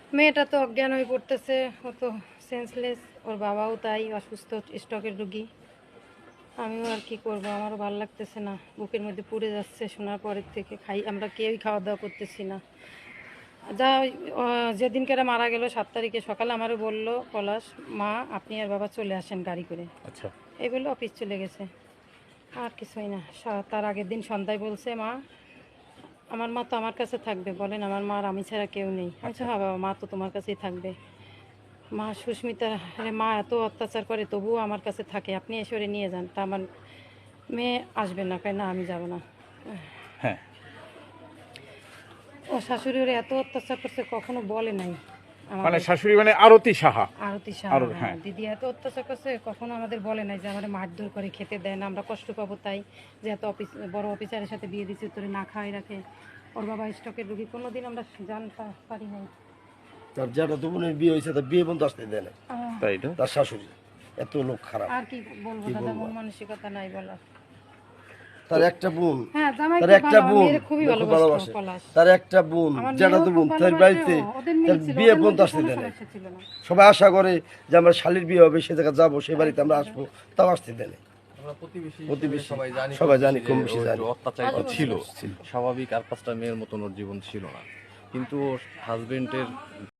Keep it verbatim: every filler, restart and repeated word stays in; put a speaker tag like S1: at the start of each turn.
S1: মেয়েটা তো অজ্ঞান হয়ে পড়তেছে, ও তো সেন্সলেস, ওর বাবাও তাই অসুস্থ, স্ট্রোকের রোগী। আমিও আর কি করব, আমারও ভালো লাগতেছে না, বুকের মধ্যে পুড়ে যাচ্ছে শোনার পরের থেকে। খাই আমরা কেউই খাওয়া দাওয়া করতেছি না। যা আহ, যেদিনকে মারা গেল সাত তারিখে সকালে আমারও বললো পলাশ, মা আপনি আর বাবা চলে আসেন গাড়ি করে।
S2: আচ্ছা।
S1: এই বলে অফিস চলে গেছে, আর কিছুই না। সা- তার আগের দিন সন্ধ্যায় বলছে, মা আমার মা তো আমার কাছে থাকবে, বলেন আমার মা আর আমি ছাড়া কেউ নেই। আমি বলছি, হ্যাঁ বাবা, মা তো তোমার কাছেই থাকবে। মা সুস্মিতা, আরে মা এত অত্যাচার করে তবুও আমার কাছে থাকে, আপনি এসে ওরে নিয়ে যান। তা আমার মেয়ে আসবে না, কয় না আমি যাব না।
S2: হ্যাঁ।
S1: ও শাশুড়ি ওরে এত অত্যাচার করছে, কখনো বলে নাই
S2: মানে
S1: আমাদের।
S2: শাশুড়ি মানে আরতি সাহা।
S1: আরতি
S2: আরো-
S1: সাহা, হ্যাঁ,
S2: হ্যাঁ।
S1: দিদি এত অত্যাচার করছে, কখনো আমাদের বলে নাই যে আমাদের মারধর করে খেতে দেয় না, আমরা কষ্ট পাবো তাই, যে এত অফিস বড় অফিসারের সাথে বিয়ে দিচ্ছে তোরে না খাওয়াই রাখে। ওর বাবা স্টকের রুগী, কোনোদিন আমরা জানতে পারি নাই।
S3: তার যারা তো বোনের বিয়ে হয়েছে তার বিয়ে বন্ধু আসতে দেয় না,
S1: আহ,
S2: তাই না?
S3: তার শাশুড়ি এত লোক খারাপ।
S1: আর কি বলবো
S3: কি
S1: দাদা,
S3: বলবো?
S1: মন মানসিকতা নাই বলার।
S3: তার একটা বোন,
S1: হ্যাঁ জামাই
S3: তার
S1: খুব
S3: একটা
S1: ভালো, আমার
S3: বোন
S1: মেয়েরে খুবই
S3: খুব
S1: ভালোবাসতো
S3: ভালোবাসে,
S1: পলাশ।
S3: তার একটা বোন
S1: আমার
S3: যেটা
S1: মেয়েও
S3: তো
S1: খুব
S3: বোন তার
S1: ভালোবাসে,
S3: বাড়িতে
S1: ও- ওদের
S3: তার
S1: মিল ছিল,
S3: বিয়ে
S1: ওদের
S3: পর্যন্ত
S1: মধ্যে
S3: আসতে
S1: কোনো
S3: দেয় না।
S1: সমস্যা ছিল না।
S3: সবাই আশা করে যে আমরা শালির বিয়ে হবে, সে জায়গায় যাবো, সেই বাড়িতে আমরা আসবো, তাও আসতে দেয় না।
S4: আমরা প্রতিবেশী
S3: প্রতিবেশী
S4: হিসেবে সবাই জানি
S3: সবাই জানি,
S4: যে
S3: কম
S4: ও
S3: বেশি
S4: একটু
S3: জানি।
S4: অত্যাচারিত
S1: আজীবন
S4: ছিল,
S3: ছিল।
S4: স্বাভাবিক আর পাঁচটা মেয়ের মতন ওর জীবন ছিল না, কিন্তু ওর হাজবেন্ডের